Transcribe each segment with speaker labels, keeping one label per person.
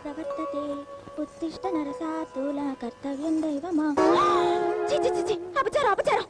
Speaker 1: ప్రవర్తతే ఉత్తిష్ట నరసాతుల కర్తవ్యం దైవమా. అపచారం అపచారం.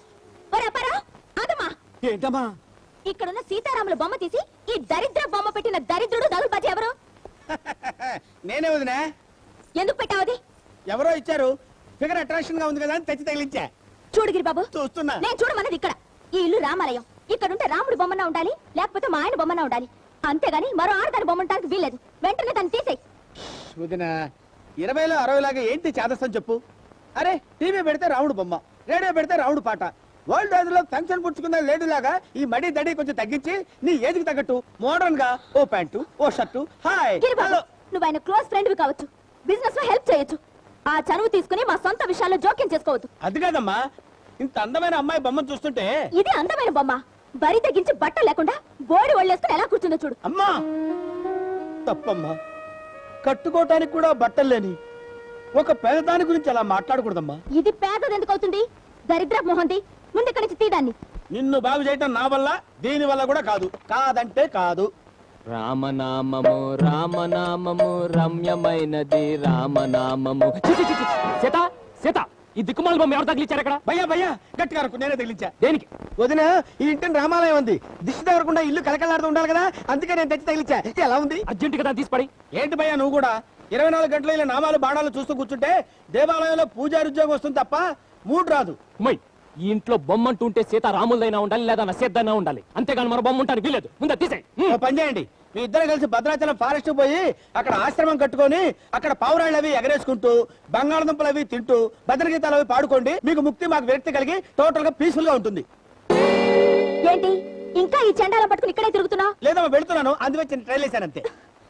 Speaker 2: ఏంటమ్మా
Speaker 1: ఇక్కడున్న సీతారాముల బొమ్మ తీసి ఈ దరిద్ర బొమ్మ పెట్టిన దరిద్రుడు దగులుబాజీ ఎవరు?
Speaker 2: నేనే వదినా.
Speaker 1: ఎందుకు పెట్టావది?
Speaker 2: ఎవరో ఇచ్చారు, ఫిగర్ అట్రాక్షన్ గా ఉంది కదా అని తెచ్చి తగిలించా.
Speaker 1: చూడు గిరిబాబు,
Speaker 2: చూస్తున్నా.
Speaker 1: నేను చూడమన్నది ఇక్కడ. ఈ ఇల్లు రామాలయం. ఇక్కడుంటే రాముడు బొమ్మన ఉండాలి, లేకపోతే మా ఆయన బొమ్మన ఉండాలి. అంతేగాని మరో ఆడదాని బొమ్మ ఉండడానికి వీల్లేదు. వెంటనే దాన్ని తీసేయి.
Speaker 2: వదినా, 20లో 60 లాగా ఏంటి చాదస్తం చెప్పు. అరే, టీవీ పెడితే రాముడు బొమ్మ, రేడియో పెడితే రాముడు పాట. వరల్డ్ వైడ్ లో ఫంక్షన్ పుచ్చుకున్న లేడీ లాగా ఈ మడి దడి కొంచెం తగ్గించి నీ ఏజ్కి తగ్గట్టు మోడర్న్ గా ఓ ప్యాంటు ఓ షర్టు. Hi hello.
Speaker 1: నువ్వు ఆయన క్లోజ్ ఫ్రెండ్ కావచ్చు, బిజినెస్ లో హెల్ప్ చేయొచ్చు. ఆ చనువు తీసుకుని మా సొంత విషయాల్లో జోక్యం చేసుకోవద్దు.
Speaker 2: అది కాదమ్మా, ఇంత అందమైన అమ్మాయి బొమ్మను చూస్తుంటే.
Speaker 1: ఇది అందమైన బొమ్మ. బరి తగ్గించి బట్ట లేకుండా బోడి ఒళ్ళేసుకుని ఎలా కూర్చుందో చూడు.
Speaker 2: అమ్మా తప్పమ్మా, కట్టుకోవటానికి కూడా బట్టలు లేని ఒక పేదదాని గురించి అలా మాట్లాడకూడదమ్మా.
Speaker 1: ఇది పేదది ఎందుకు అవుతుంది? దరిద్ర మొహంది. ముందు ఇక్కడి నుంచి తీదాన్ని.
Speaker 2: నిన్ను బాగు చేయటం నా వల్ల, దీని వల్ల కూడా కాదు. కాదంటే కాదు.
Speaker 3: రామనామము రామనామము రమ్యమైనది రామనామము. సీత సీత, ఈ దిక్కుమాల బొమ్మ ఎవరు తగిలిచ్చారు అక్కడ?
Speaker 2: భయ్యా భయ్యా, గట్టిగా అరకు, నేనే తగిలించా.
Speaker 3: దేనికి?
Speaker 2: వదిన, ఈ ఇంటిని రామాలయం ఉంది, దిష్టి తగలకుండా ఇల్లు కలకలాడుతూ ఉండాలి కదా, అందుకే నేను తెచ్చి తగిలించా. ఎలా ఉంది?
Speaker 3: అర్జెంట్ కదా తీసిపడి.
Speaker 2: ఏంటి భయ్యా నువ్వు కూడా 24 గంటలు ఇలా నామాలు బాణాలు చూస్తూ కూర్చుంటే దేవాలయంలో పూజారి ఉద్యోగం వస్తుంది తప్ప మూడు రాదు.
Speaker 3: ఉమ్మయ్, ఈ ఇంట్లో బొమ్మ అంటూ ఉంటే సీత రాములదైనా ఉండాలి, లేదా నసేద్దైనా ఉండాలి. అంతేగాని మన బొమ్మ ఉంటాను వీలేదు. ముందు తీసేయ్.
Speaker 2: ఓ పని చేయండి, మీ ఇద్దరు కలిసి భద్రాచలం ఫారెస్ట్ పోయి అక్కడ ఆశ్రమం కట్టుకొని అక్కడ పావురాళ్ళు అవి ఎగరేసుకుంటూ బంగాళదుంపలు అవి తింటూ భద్రగీతాలు అవి పాడుకోండి. మీకు ముక్తి, మాకు విరక్తి కలిగి టోటల్ గా పీస్ఫుల్ గా ఉంటుంది.
Speaker 1: ఏంటి ఇంకా ఈ చెండాలం పట్టుకుని ఇక్కడే తిరుగుతున్నావు?
Speaker 2: లేదా వెళ్తున్నాను, అందువచ్చి ట్రైల్ వేసాను అంతే.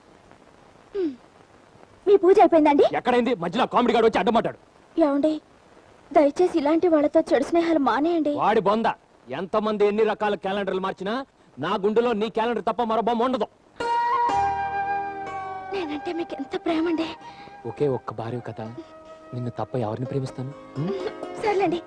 Speaker 1: మీ పూజ అయిపోయిందండి?
Speaker 3: ఎక్కడైంది? మధ్యలో కామెడీ గాడు వచ్చి అడ్డమాటాడు.
Speaker 1: ఏమండి, దయచేసి ఇలాంటి వాళ్ళతో చెడు స్నేహాలు మానేయండి.
Speaker 3: వాడి బొంద. ఎంతమంది ఎన్ని రకాల క్యాలెండర్లు మార్చినా నా గుండెలో నీ క్యాలెండర్ తప్ప మరో బొమ్మ ఉండదు.
Speaker 1: నేనంటే మీకు ఎంత ప్రేమండి.
Speaker 3: ఒకే ఒక్క భార్య కదా, నిన్ను తప్ప ఎవరిని ప్రేమిస్తాను?
Speaker 1: సర్లేండి,